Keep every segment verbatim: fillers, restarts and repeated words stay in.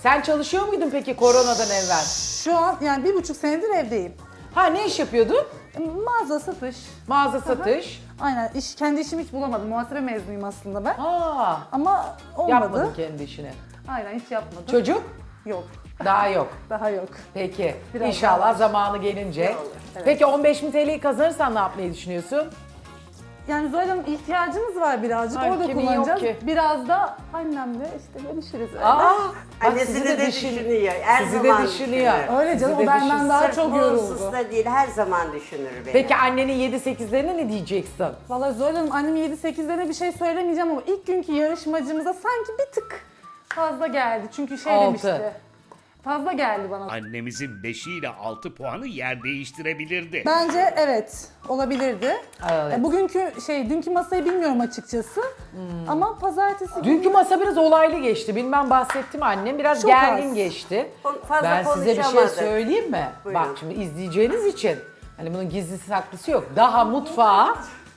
Sen çalışıyor muydun peki koronadan evvel? Şu an yani bir buçuk senedir evdeyim. Ha ne iş yapıyordun? Mağaza, satış. Mağaza satış. Aynen. İş, kendi işimi hiç bulamadım. Muhasebe mezunuyum aslında ben. Aa, Ama olmadı. yapmadın kendi işini. Aynen hiç yapmadım. Çocuk? Yok. Daha yok. Daha yok. Peki. Biraz İnşallah daha var. zamanı gelince. Evet. Peki on beş bin T L'yi kazanırsan ne yapmayı düşünüyorsun? Yani Zuhal Hanım ihtiyacımız var birazcık. Ay, Orada kimin yok kullanacağız. ki? Biraz da annemle işte görüşürüz. Öyle. Aa, bak Annesi sizi de, de düşün- düşünüyor. Her Sizi zaman de düşünüyor. düşünür. Öyle canım Sizi o de benden düşün- daha Sırf çok bu yoruldu. hususta değil, her zaman düşünür beni. Peki annenin yedi sekizlerine ne diyeceksin? Vallahi Zuhal Hanım annem yedi sekizlerine bir şey söylemeyeceğim ama ilk günkü yarışmacımıza sanki bir tık fazla geldi. Çünkü şey Altı. demişti. Fazla geldi bana. Annemizin beşi ile altı puanı yer değiştirebilirdi. Bence evet olabilirdi. Evet. E, Bugünkü şey dünkü masayı bilmiyorum açıkçası. Ama pazartesi günü Dünkü masa biraz olaylı geçti. Bilmem bahsettim annem. Biraz Çok gergin az. geçti. Kon- fazla Ben size bir şey konuşamadık. söyleyeyim mi? Buyurun. Bak şimdi izleyeceğiniz için. Hani bunun gizlisi saklısı yok. Daha mutfağa,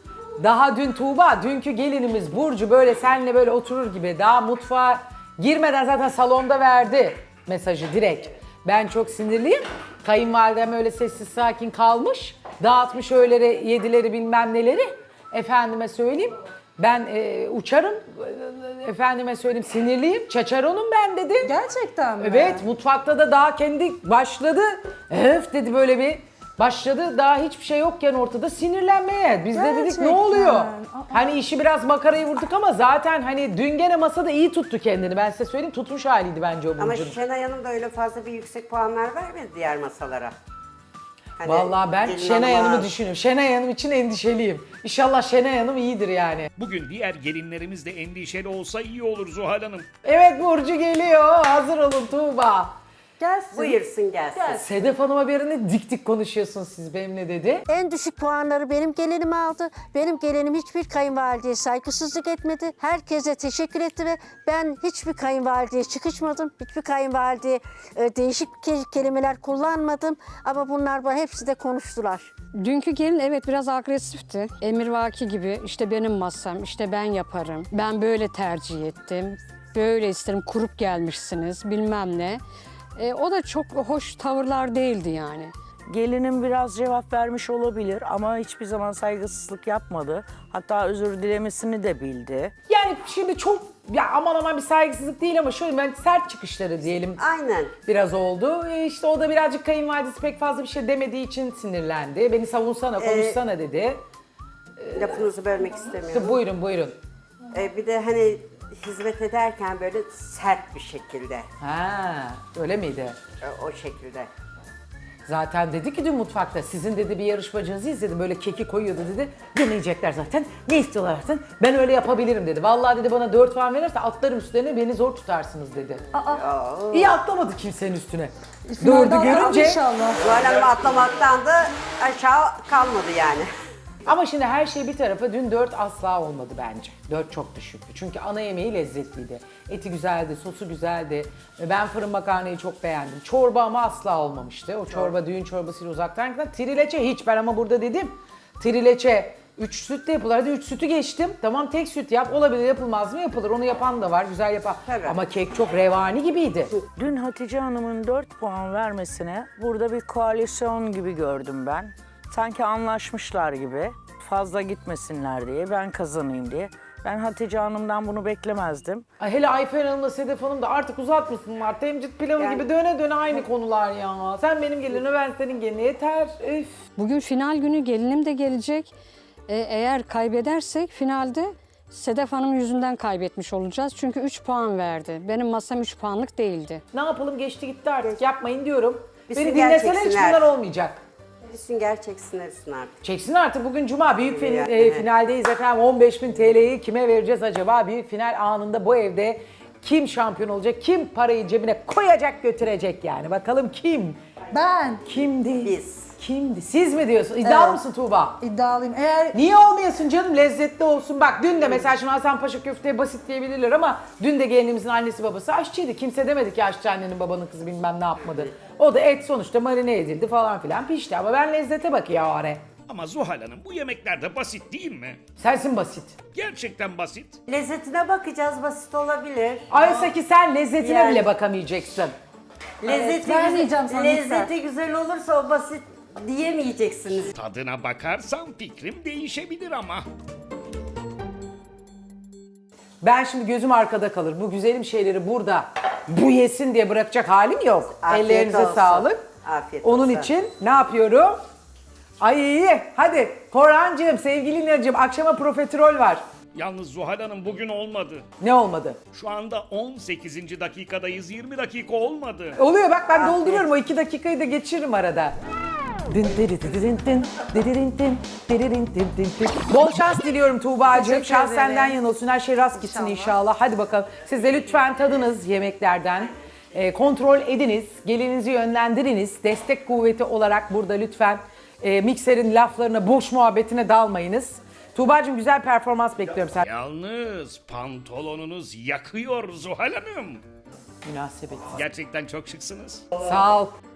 daha dün Tuğba, dünkü gelinimiz Burcu böyle seninle böyle oturur gibi daha mutfağa girmeden zaten salonda verdi mesajı direkt. Ben çok sinirliyim. Kayınvalidem öyle sessiz sakin kalmış. Dağıtmış öyleleri, yedileri bilmem neleri. Efendime söyleyeyim. Ben e, uçarım. E, Efendime söyleyeyim sinirliyim. Çaçaronum ben dedi. gerçekten mi? Evet mutfakta da daha kendi başladı. Öf dedi böyle bir başladı. Daha hiçbir şey yokken ortada sinirlenmeye. Biz de dedik ne Gerçekten. oluyor? Aa. Hani işi biraz makarayı vurduk ama zaten hani dün gene masada iyi tuttu kendini. Ben size söyleyeyim tutmuş haliydi bence o Ama Burcu'nun. Şenay Hanım da öyle fazla bir yüksek puanlar vermedi diğer masalara. Hani Vallahi ben gelin Şenay hanıma- Hanım'ı düşünüyorum. Şenay Hanım için endişeliyim. İnşallah Şenay Hanım iyidir yani. Bugün diğer gelinlerimiz de endişeli olsa iyi olur Zuhal Hanım. Evet Burcu geliyor. Hazır olun Tuğba. Gelsin. Buyursun gelsin. Sedef Hanım'a bir yerine dik dik konuşuyorsunuz siz benimle dedi. En düşük puanları benim gelinim aldı. Benim gelinim hiçbir kayınvalideye saygısızlık etmedi. Herkese teşekkür etti ve ben hiçbir kayınvalideye çıkışmadım. Hiçbir kayınvalideye e, değişik ke- kelimeler kullanmadım. Ama bunlar bana hepsi de konuştular. Dünkü gelin evet biraz agresifti. Emirvaki gibi işte benim masam, işte ben yaparım. Ben böyle tercih ettim. Böyle isterim, kurup gelmişsiniz bilmem ne. E, o da çok hoş tavırlar değildi yani. Gelinim biraz cevap vermiş olabilir ama hiçbir zaman saygısızlık yapmadı. Hatta özür dilemesini de bildi. Yani şimdi çok ya aman aman bir saygısızlık değil ama şöyle ben sert çıkışları diyelim Aynen. biraz oldu. E işte o da birazcık kayınvalidesi pek fazla bir şey demediği için sinirlendi. Beni savunsana, konuşsana dedi. Lafınızı bölmek istemiyorum. İşte buyurun buyurun. Ee, bir de hani hizmet ederken böyle sert bir şekilde. Ha, öyle miydi? e, O şekilde. Zaten dedi ki dün mutfakta sizin dedi bir yarışmacınızı izledim böyle keki koyuyordu dedi. Deneyecekler zaten. Ne istiyorlar zaten? Ben öyle yapabilirim dedi. Vallahi dedi bana dört puan verirse atlarım üstlerine beni zor tutarsınız dedi. İyi atlamadı kimsenin üstüne. Dördü Finalde alalım görünce inşallah. Zuhal Hanım atlamaktan da aşağı kalmadı yani. ama şimdi her şey bir tarafa dün dört asla olmadı bence. dört çok düşüktü. Çünkü ana yemeği lezzetliydi. Eti güzeldi, sosu güzeldi. Ben fırın makarnayı çok beğendim. Çorba ama asla olmamıştı. O çorba düğün çorbasıyla uzaktan giden. Trileçe hiç ben ama burada dedim. Trileçe üç sütle yapılır. Hadi üç sütü geçtim. Tamam tek süt yap. Olabilir yapılmaz mı? Yapılır. Onu yapan da var. Güzel yapan. Tabii. Ama kek çok revani gibiydi. Dün Hatice Hanım'ın dört puan vermesine burada bir koalisyon gibi gördüm ben. Sanki anlaşmışlar gibi. Fazla gitmesinler diye, ben kazanayım diye. Ben Hatice Hanım'dan bunu beklemezdim. Ay hele Ayfer Hanım'la Sedef Hanım da artık uzatmasınlar. Temcit pilavı Yani- gibi döne döne aynı konular ya. Sen benim gelinime ben senin geline yeter. Üf. Bugün final günü gelinim de gelecek. E, eğer kaybedersek finalde Sedef Hanım yüzünden kaybetmiş olacağız. Çünkü üç puan verdi. Benim masam üç puanlık değildi. Ne yapalım geçti gitti artık yapmayın diyorum. Bir Beni sünger dinleseler hiç çeksinler. bunlar olmayacak. Bir sünger çeksinler üstüne artık. Çeksin artık bugün cuma büyük fin- Yani. e, finaldeyiz efendim. on beş bin T L'yi kime vereceğiz acaba? Büyük final anında bu evde kim şampiyon olacak? Kim parayı cebine koyacak götürecek yani? Bakalım kim? Ben Kimdi? Biz. Kimdi? Siz mi diyorsun? İddialı Evet. mısın Tuğba? iddialıyım. Eğer Niye olmayasın canım? Lezzetli olsun. Bak dün de mesela şimdi Hasanpaşa köfteye basit diyebilirler ama dün de gelinimizin annesi babası aşçıydı. Kimse demedi ki aşçı annenin babanın kızı bilmem ne yapmadı. O da et sonuçta marine edildi falan filan pişti ama ben lezzete bakıyor o ara. Ama Zuhal Hanım bu yemekler de basit değil mi? Sensin basit. Gerçekten basit. Lezzetine bakacağız, basit olabilir. Oysa ki sen lezzetine Yani- bile bakamayacaksın. Lezzeti, ben yiyeceğim sana lezzeti güzel olursa o basit diyemeyeceksiniz. Tadına bakarsam fikrim değişebilir ama. Ben şimdi gözüm arkada kalır. Bu güzelim şeyleri burada bu yesin diye bırakacak halim yok. Afiyet Ellerinize olsun. sağlık. Afiyet Onun olsun. için ne yapıyorum? Ay iyi. Hadi Korhancığım, sevgili İlner'cığım akşama profiterol var. Yalnız Zuhal Hanım bugün olmadı. Ne olmadı? Şu anda on sekizinci dakikadayız. yirmi dakika olmadı. Oluyor bak ben Afiyet. dolduruyorum. O iki dakikayı da geçiririm arada. Dın diri diri din din, diri din din, diri din din din din. Bol şans diliyorum Tuğba'cığım. Teşekkür Şans ederim. senden yana olsun. Her şey rast gitsin inşallah. İnşallah. Hadi bakalım. Siz de lütfen tadınız yemeklerden. E, kontrol ediniz. Gelinizi yönlendiriniz. Destek kuvveti olarak burada lütfen e, mikserin laflarına, boş muhabbetine dalmayınız. Tuğba'cığım güzel performans bekliyorum sen. Yalnız pantolonunuz yakıyor Zuhal Hanım. Münasebet. Gerçekten çok şıksınız. Sağ ol.